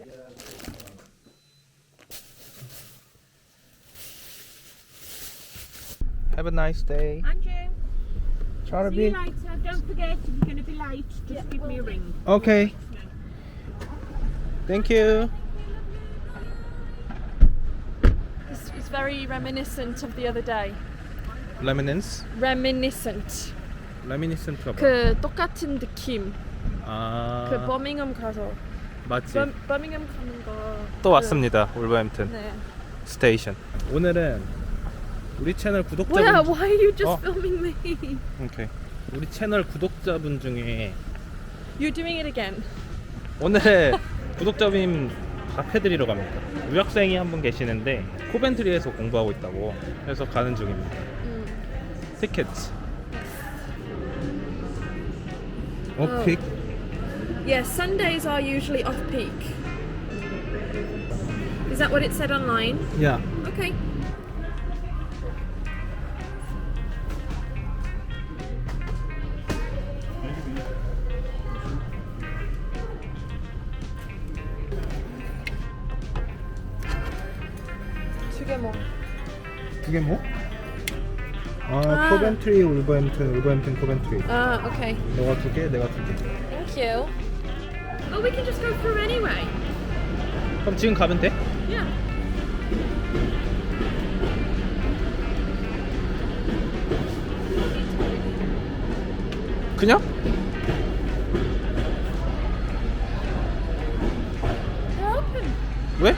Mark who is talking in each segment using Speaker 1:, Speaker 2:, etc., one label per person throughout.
Speaker 1: Have a nice day.
Speaker 2: Andrew,
Speaker 1: Try to
Speaker 2: see
Speaker 1: be.
Speaker 2: you later. Don't forget, if you're going to be late, just give me a ring.
Speaker 1: Okay. Thank you.
Speaker 3: It's very reminiscent of the other day.
Speaker 1: Reminiscence?
Speaker 3: Reminiscent.
Speaker 1: Reminiscen트가 뭐야?
Speaker 3: 그 똑같은 느낌.
Speaker 1: 아,
Speaker 3: 그 버밍엄 가서.
Speaker 1: 맞지.
Speaker 3: 버밍엄 가는 거.
Speaker 1: 또 왔습니다. 울버햄튼
Speaker 3: 네.
Speaker 1: 스테이션. 오늘은 우리 채널 구독자분.
Speaker 3: 뭐야? Why are you just
Speaker 1: 어?
Speaker 3: filming me?
Speaker 1: 오케이. 우리 채널 구독자분 중에
Speaker 3: You're doing it again.
Speaker 1: 오늘 구독자님 답해드리러 갑니다. 유학생이 한 분 계시는데 코벤트리에서 공부하고 있다고 해서 가는 중입니다. 티켓. 오픽.
Speaker 3: Yes, Sundays are usually off peak. Is that what it said online?
Speaker 1: 야.
Speaker 3: Okay. 두 개 뭐?
Speaker 1: 그게 뭐?
Speaker 3: 아.
Speaker 1: 코벤트리, 울버햄튼, 울버햄튼, 코벤트리.
Speaker 3: Ah, okay.
Speaker 1: 너가 두 개, 내가 두 개.
Speaker 3: Thank you. Oh, we can just go through anyway.
Speaker 1: 그럼 지금 가면 돼?
Speaker 3: Yeah.
Speaker 1: 그냥?
Speaker 3: They're open.
Speaker 1: 왜?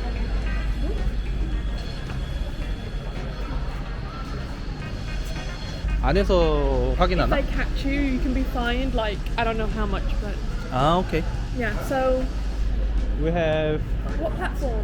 Speaker 1: 안에서
Speaker 3: If
Speaker 1: 확인하나?
Speaker 3: they catch you, you can be fined like I don't know how much, but
Speaker 1: 아, 오케이.
Speaker 3: yeah. So,
Speaker 1: We have
Speaker 3: what platform?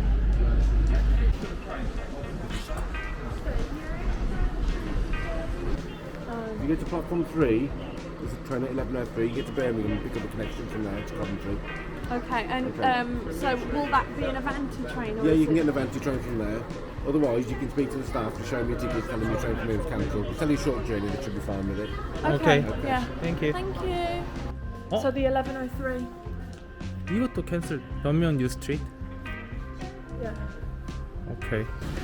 Speaker 4: You get to platform 3, there's a train at 11:03, you get to Birmingham and pick up a connection from there to Coventry.
Speaker 3: Okay, and
Speaker 4: Okay.
Speaker 3: so will that be an Avanti train? Or
Speaker 4: Yeah,
Speaker 3: is
Speaker 4: you can
Speaker 3: it-
Speaker 4: get an Avanti train from there. Otherwise, you can speak to the staff to show them your tickets, tell them your train from here is cancelled. It's only a short journey, they should be fine with it.
Speaker 3: Okay.
Speaker 1: Okay.
Speaker 3: Yeah.
Speaker 1: Thank you.
Speaker 3: Thank you.
Speaker 1: 어?
Speaker 3: So the 11:03.
Speaker 1: 이것도 캔슬. 변명 뉴 스트리트.
Speaker 3: Yeah.
Speaker 1: 오케이.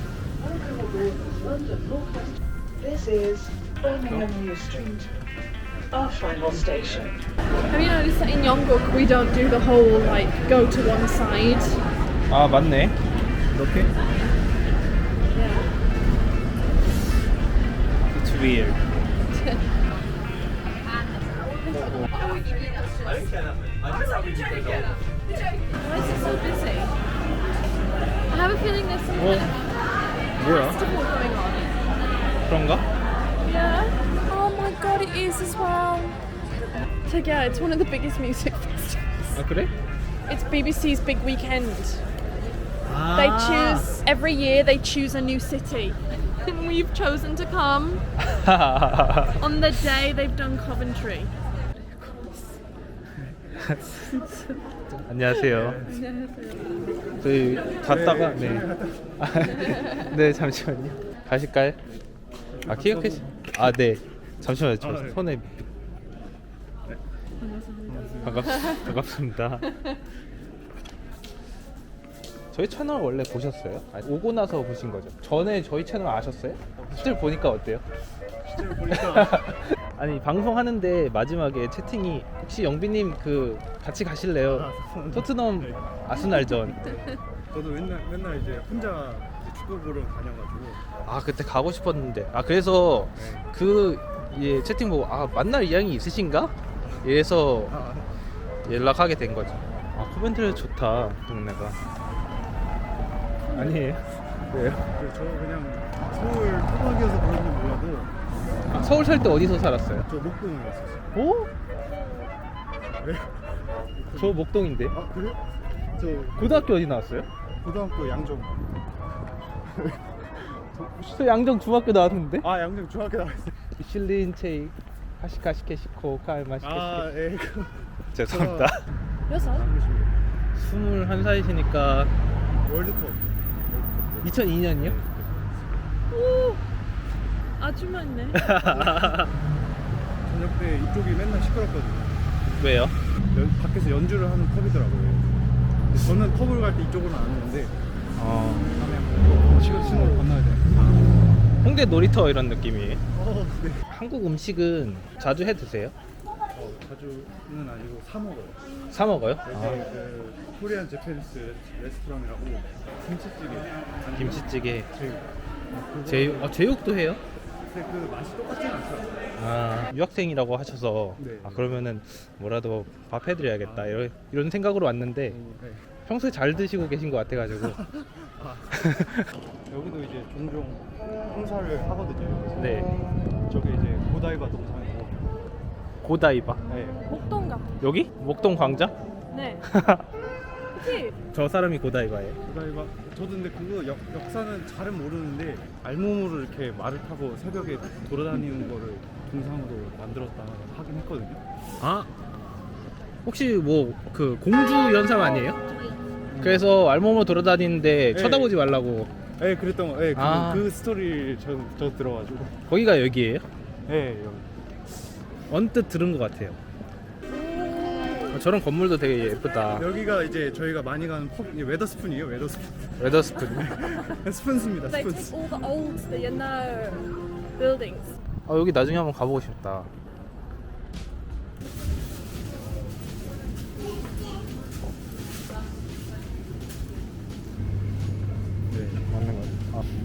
Speaker 5: This is Birmingham New Street, our final station.
Speaker 3: Have you noticed that in Yongguk we don't do the whole like go to one side?
Speaker 1: 아, 맞네. 이렇게?
Speaker 3: Yeah.
Speaker 1: It's weird.
Speaker 3: Why is it so busy? I have a feeling there's some kind of
Speaker 1: 뭐야?
Speaker 3: festival going on.
Speaker 1: 그런가?
Speaker 3: Yeah. Oh my god, it is as well. So yeah, it's one of the biggest music festivals.
Speaker 1: 아, 그래?
Speaker 3: It's BBC's big weekend.
Speaker 1: 아.
Speaker 3: They choose every year. They choose a new city, and we've chosen to come on the day they've done Coventry.
Speaker 1: 안녕하세요. 저희 갔다가 네. 네, 잠시만요. 가실까요? 아, 기억해. 아, 네. 잠시만요. 저 손에 반갑습니다. 저희 채널 원래 보셨어요? 아니, 오고 나서 보신 거죠? 전에 저희 채널 아셨어요? 스틸 보니까 어때요? 아니, 방송하는데 마지막에 채팅이 혹시 영빈님 그 같이 가실래요? 토트넘 아스날전.
Speaker 6: 저도 맨날 이제 혼자 축구 보러 다녀가지고.
Speaker 1: 아, 그때 가고 싶었는데. 아, 그래서 그 예, 채팅 보고 아, 만날 의향이 있으신가? 이래서 연락하게 된 거죠. 아, 코벤트리 좋다, 동네가. 아니에요? 왜요?
Speaker 6: 저 그냥 서울 토박이어서 그런지 몰라도
Speaker 1: 아, 서울 살 때 어디서 살았어요?
Speaker 6: 저 목동에 갔었어요.
Speaker 1: 오?
Speaker 6: 왜?
Speaker 1: 저 목동인데.
Speaker 6: 아 그래? 저
Speaker 1: 고등학교 어디 나왔어요?
Speaker 6: 고등학교 양정.
Speaker 1: 저 양정 중학교 나왔는데.
Speaker 6: 아 양정 중학교 나왔어요.
Speaker 1: 미슐린 체이 하시카시케시코 칼마시케시케.
Speaker 6: 아 예.
Speaker 1: 죄송합니다.
Speaker 3: 몇 살?
Speaker 1: 21살이시니까
Speaker 6: 월드컵.
Speaker 1: 2002년이요?
Speaker 3: 오, 아주 많네.
Speaker 6: 저녁 때 이쪽이 맨날 시끄럽거든요.
Speaker 1: 왜요?
Speaker 6: 밖에서 연주를 하는 컵이더라고요. 저는 커브를 갈 때 이쪽으로 안 오는데
Speaker 1: 어,
Speaker 6: 신호를 건너야 돼요.
Speaker 1: 홍대 놀이터 이런 느낌이에요.
Speaker 6: 네.
Speaker 1: 한국 음식은 자주 해 드세요?
Speaker 6: 자주는 아니고 사 먹어요.
Speaker 1: 사 먹어요?
Speaker 6: 여기 그 코리안 제페니스 레스토랑이라고 김치찌개.
Speaker 1: 김치찌개,
Speaker 6: 제육.
Speaker 1: 제육, 제육도 해요?
Speaker 6: 근데 그 맛이 똑같진 않더라고요.
Speaker 1: 아, 유학생이라고 하셔서
Speaker 6: 네.
Speaker 1: 아, 그러면은 뭐라도 밥 해드려야겠다 이런 생각으로 왔는데
Speaker 6: 네.
Speaker 1: 평소에 잘 드시고 계신 것 같아가지고
Speaker 6: 여기도 이제 종종 행사를 하거든요.
Speaker 1: 네,
Speaker 6: 저게 이제 고다이바 동상이고.
Speaker 1: 고다이바
Speaker 6: 네.
Speaker 3: 목동 같아.
Speaker 1: 여기? 목동 광장?
Speaker 3: 네. 그치?
Speaker 1: 저 사람이 고다이바예요.
Speaker 6: 고다이바. 저도 근데 그거 역사는 잘은 모르는데 알몸으로 이렇게 말을 타고 새벽에 돌아다니는 거를 동상으로 만들었다 하긴 했거든요.
Speaker 1: 아, 혹시 뭐 그 공주 연상 아니에요? 그래서 알몸으로 돌아다니는데
Speaker 6: 네.
Speaker 1: 쳐다보지 말라고.
Speaker 6: 네, 그랬던 거. 네,
Speaker 1: 아.
Speaker 6: 그 스토리를 저 들어가지고.
Speaker 1: 거기가 여기예요?
Speaker 6: 네, 여기.
Speaker 1: 언뜻 들은 것 같아요. 저런 건물도 되게 예쁘다.
Speaker 6: 여기가 이제 저희가 많이 가는 웨더스푼이에요, 웨더스푼.
Speaker 1: 웨더스푼.
Speaker 6: 스푼스입니다,
Speaker 3: They take
Speaker 6: 스푼스.
Speaker 3: all the old, the buildings.
Speaker 1: 아, 여기 나중에 한번 가보고 싶다. 네, 맞는 거 같아. 아.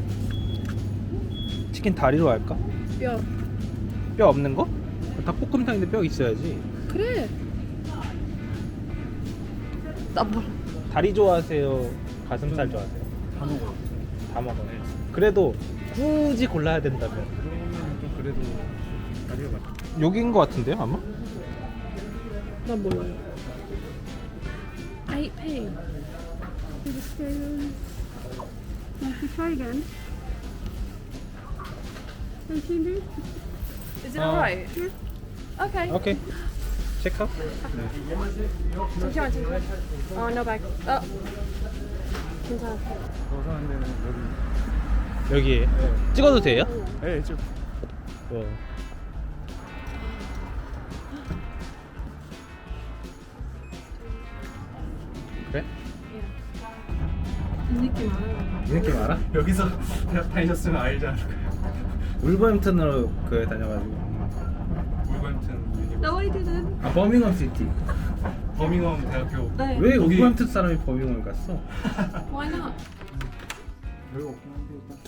Speaker 1: 치킨 다리로 할까?
Speaker 3: 뼈.
Speaker 1: 뼈 없는 거? 닭볶음탕인데 뼈 있어야지.
Speaker 3: 그래. 나 몰라.
Speaker 1: 다리 좋아하세요? 가슴살 좋아하세요?
Speaker 6: 다 먹어요.
Speaker 1: 다 먹어요. 그래도 굳이 골라야 된다면
Speaker 6: 그러면 좀 그래도 다리가 맞.
Speaker 1: 여기인 것 같은데요, 아마?
Speaker 3: 난 몰라요. 8p.
Speaker 2: Try again. Continue.
Speaker 3: Is it alright? Okay.
Speaker 1: 오케이. 체크.
Speaker 3: 잠시만. No bag. 괜찮아.
Speaker 6: 저 사는 데는 여기.
Speaker 1: 여기에 찍어도 돼요?
Speaker 6: 네, 좀.
Speaker 1: 그래?
Speaker 3: 이 느낌 알아요.
Speaker 1: 이 느낌 알아?
Speaker 6: 여기서 대학 다니셨으면 알지 않을까요?
Speaker 1: 울버햄튼으로 그 다녀가지고.
Speaker 6: 울버햄튼 유니버시티.
Speaker 3: No, I didn't.
Speaker 1: 아, 버밍엄 시티.
Speaker 6: 버밍엄 대학교.
Speaker 3: 네.
Speaker 1: 왜
Speaker 6: 거기-
Speaker 1: 울버햄튼 사람이 버밍엄을 갔어?
Speaker 3: Why not?
Speaker 6: 별거 없긴 한데 일단.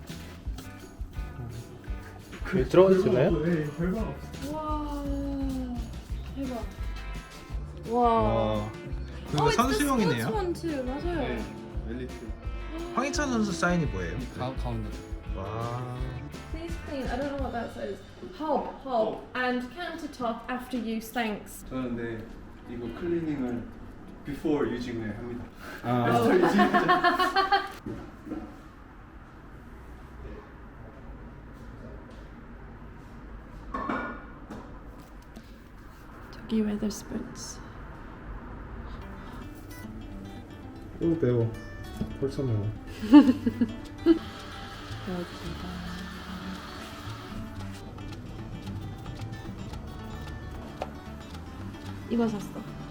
Speaker 1: 여기 들어가도 되나요?
Speaker 6: 네, 별거 없어.
Speaker 3: 와. 대박. 와.
Speaker 1: 와,
Speaker 3: Oh, it's the sports one too. 맞아요.
Speaker 6: 네, 엘리트.
Speaker 1: 황희찬 선수 사인이 뭐예요?
Speaker 6: 가운데.
Speaker 1: 와.
Speaker 3: Please clean. I don't know what that says. Hob, and countertop after use. Thanks.
Speaker 6: 저는 네 이거 클리닝을 before using을 합니다.
Speaker 1: 아,
Speaker 3: 저기 Wetherspoons.
Speaker 1: 오, 매워. 벌써 매워.
Speaker 3: 이거 샀어.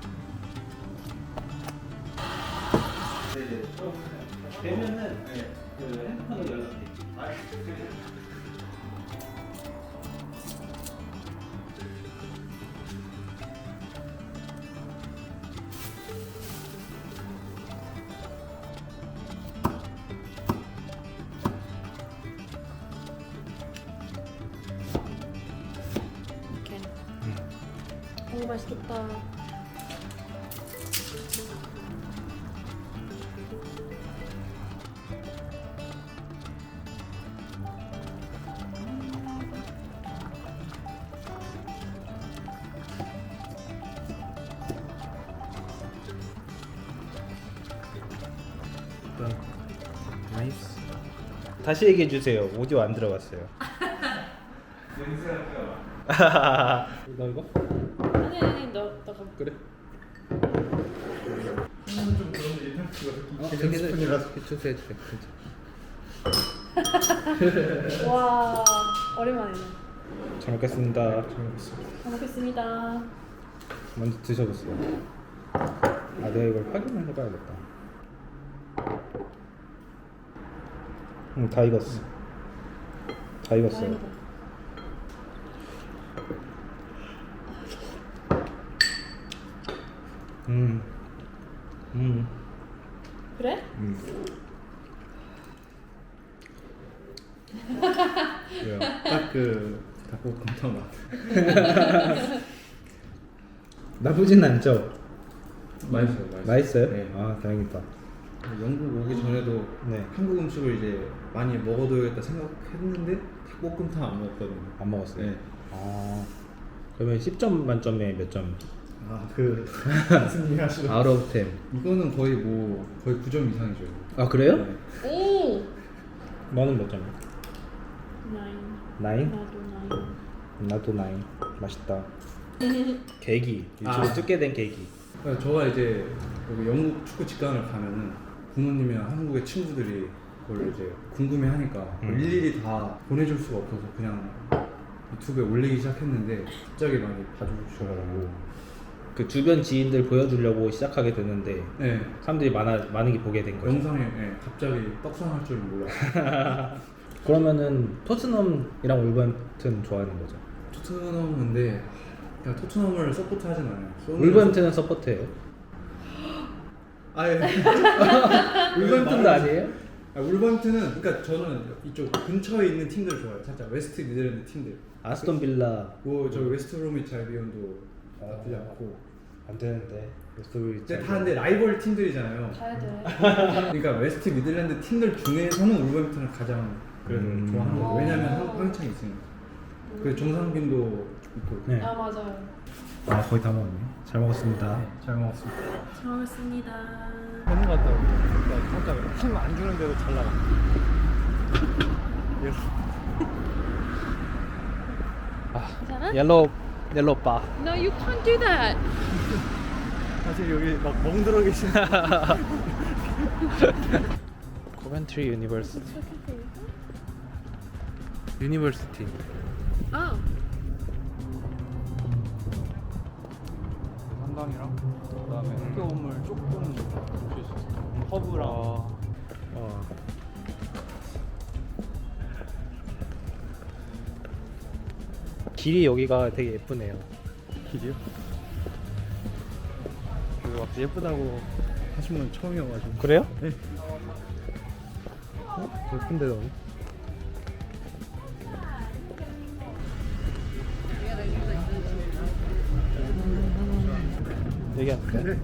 Speaker 1: 되면은 그 핸드폰으로 연락해.
Speaker 3: 이렇게. 오, 맛있겠다.
Speaker 1: 나이스. 다시 얘기해 주세요. 오디오 안 들어갔어요. 너 이거?
Speaker 3: 아니, 너
Speaker 1: 그래.
Speaker 6: 좀 그런 일탈치가
Speaker 1: 스푼이라서 주세요, 주세요.
Speaker 3: 와, 오랜만이네.
Speaker 1: 잘 먹겠습니다.
Speaker 3: 잘 먹겠습니다.
Speaker 1: 먼저 드셔보세요. 아 내가 이걸 확인을 해봐야겠다. 다 익었어. 다 익었어요.
Speaker 3: 그래?
Speaker 6: 딱 그 닭볶음탕 맛.
Speaker 1: 나쁘진 않죠?
Speaker 6: 맛있어요.
Speaker 1: 맛있어요?
Speaker 6: 네.
Speaker 1: 아 다행이다.
Speaker 6: 영국 오기 전에도
Speaker 1: 네.
Speaker 6: 한국 음식을 이제 많이 먹어둬야겠다 생각했는데 닭볶음탕 안 먹었거든요.
Speaker 1: 안 먹었어요?
Speaker 6: 네.
Speaker 1: 아 그러면 10점 만점에 몇 점?
Speaker 6: 아그 승리하시고
Speaker 1: Out of 10.
Speaker 6: 이거는 거의 9점 이상이죠.
Speaker 1: 아 그래요?
Speaker 6: 네.
Speaker 3: 오.
Speaker 1: 너는 몇 점이야?
Speaker 3: 9.
Speaker 1: 9?
Speaker 3: 나도 9.
Speaker 1: 나도 9. 맛있다. 계기. 유튜브
Speaker 6: 아.
Speaker 1: 찍게 된 계기.
Speaker 6: 그러니까 저가 이제 여기 영국 축구 직관을 가면은 부모님이랑 한국의 친구들이 그걸 이제 궁금해하니까 일일이 다 보내줄 수가 없어서 그냥 유튜브에 올리기 시작했는데 갑자기 많이 봐주셔가지고
Speaker 1: 그 주변 지인들 보여주려고 시작하게 됐는데
Speaker 6: 네
Speaker 1: 사람들이 많이 보게 된 거죠.
Speaker 6: 영상에 네, 갑자기 떡상할 줄 몰랐어요.
Speaker 1: 그러면은 토트넘이랑 울버햄튼 좋아하는 거죠?
Speaker 6: 토트넘인데 그냥 토트넘을 서포트하진 않아요.
Speaker 1: 울버햄튼은 서포트해요?
Speaker 6: 아예
Speaker 1: 울버햄튼도 아니에요?
Speaker 6: 울버햄튼은 그러니까 저는 이쪽 근처에 있는 팀들 좋아해요. 살짝 웨스트 미들랜드 팀들.
Speaker 1: 아스톤 빌라
Speaker 6: 저 웨스트 브로미치 알비온도 나쁘지 않고.
Speaker 1: 안 되는데 웨스트브리치.
Speaker 6: 근데 다 근데 라이벌 팀들이잖아요.
Speaker 3: 가야 돼.
Speaker 6: 그러니까 웨스트 미들랜드 팀들 중에서는 울버햄튼을 가장 그래도 좋아하는 거예요. 왜냐면 황희찬이 있으니까. 그 정상빈도 있고.
Speaker 1: 네.
Speaker 3: 아 맞아요.
Speaker 1: 아 거의 다 먹었네. 잘 먹었습니다.
Speaker 6: 잘 먹었습니다.
Speaker 3: 잘 먹었습니다.
Speaker 6: 되는 것 같다고. 살짝 힘 안 주는데도 잘 나가.
Speaker 1: 아 옐로우 바.
Speaker 3: No, you can't do that.
Speaker 6: 사실 여기 막 멍들어 계신.
Speaker 1: 코벤트리 유니버시티.
Speaker 3: Oh.
Speaker 6: 한강이랑 그다음에 학교 건물 조금 볼 수 있어요. 허브랑.
Speaker 1: 길이 여기가 되게 예쁘네요.
Speaker 6: 길이요? 그리고 막 예쁘다고 하신 분 처음이어가지고.
Speaker 1: 그래요?
Speaker 6: 네.
Speaker 1: 예쁜데 너무. 얘기하는데?
Speaker 6: 네.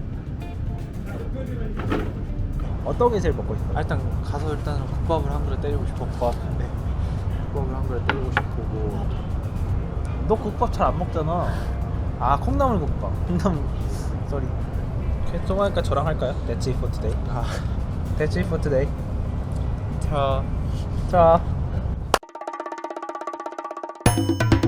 Speaker 1: 어떤 게 제일 먹고 싶어?
Speaker 7: 일단 가서 일단 국밥을 한 그릇 때리고 싶어. 국밥. 네. 국밥을 한 그릇 때리고 싶고.
Speaker 1: 너 국밥 잘 안 먹잖아. 아 콩나물 국밥. 콩나물. 쏘리. 오케이, 좀 하니까 저랑 할까요? That's it for today. That's it for today. 자.